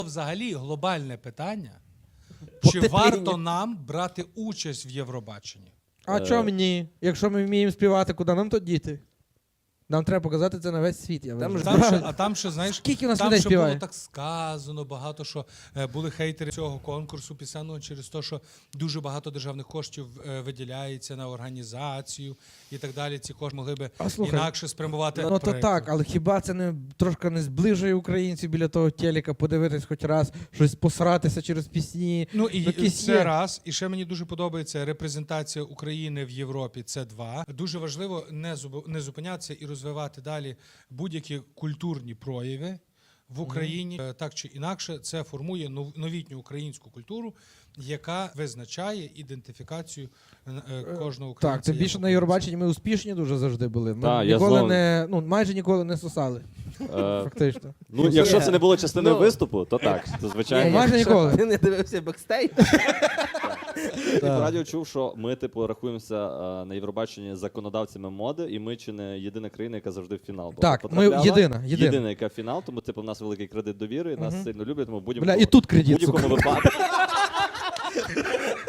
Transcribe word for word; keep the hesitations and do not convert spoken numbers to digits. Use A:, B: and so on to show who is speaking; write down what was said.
A: Взагалі глобальне питання,
B: По
A: чи
B: титрині.
A: варто нам брати участь в Євробаченні?
C: А
B: Е.
C: чому ні? Якщо ми вміємо співати, куди нам то діти? Нам треба показати це на весь світ. Я
B: Там
C: вважаю.
B: ж
A: Там ще, а там ще, знаєш,
C: Скільки у нас
A: там
C: людей
A: ще було
C: співає?
A: так сказано багато, що е, були хейтери цього конкурсу пісенного через те, що дуже багато державних коштів е, виділяється на організацію і так далі. Ці кошти могли би
C: А слухай,
A: інакше спрямувати.
C: Ну то
A: проекти.
C: так, але хіба це не трошки не зближує українців біля того телека, подивитись хоч раз, щось посратися через пісні.
A: Ну і
C: Якісь
A: це
C: є.
A: раз. І ще мені дуже подобається репрезентація України в Європі. Це два. Дуже важливо не зуб- не зупинятися і розвивати далі будь-які культурні прояви в Україні. Е, Так чи інакше, це формує нов- новітню українську культуру, яка визначає ідентифікацію е, е, кожного українця.
C: Так, тим
A: як
C: більше на
A: українця.
C: Євробаченні ми успішні дуже завжди були. Ми
D: Та, я
C: ніколи
D: знову-
C: не, ну майже ніколи не сосали,
D: Е,
C: фактично.
D: ну, якщо це не було частиною
B: Ну.
D: виступу, то так, то
C: Ні,
D: звичайно.
C: майже
B: Якщо
C: ніколи.
B: Ти не дивився бекстейдж?
D: Я по радіо чув, що ми, типу, рахуємося е, на Євробаченні законодавцями моди, і ми чи не єдина країна, яка завжди в фінал була
C: Так, ми
D: потрапляла.
C: єдина, єдина.
D: Єдина, яка в фінал, тому типу, в нас великий кредит довіри, нас
C: Мгм.
D: сильно люблять, тому в
C: Бля,
D: будь-якому
C: і тут кредит,
D: будь-якому
C: сука.
D: випадку.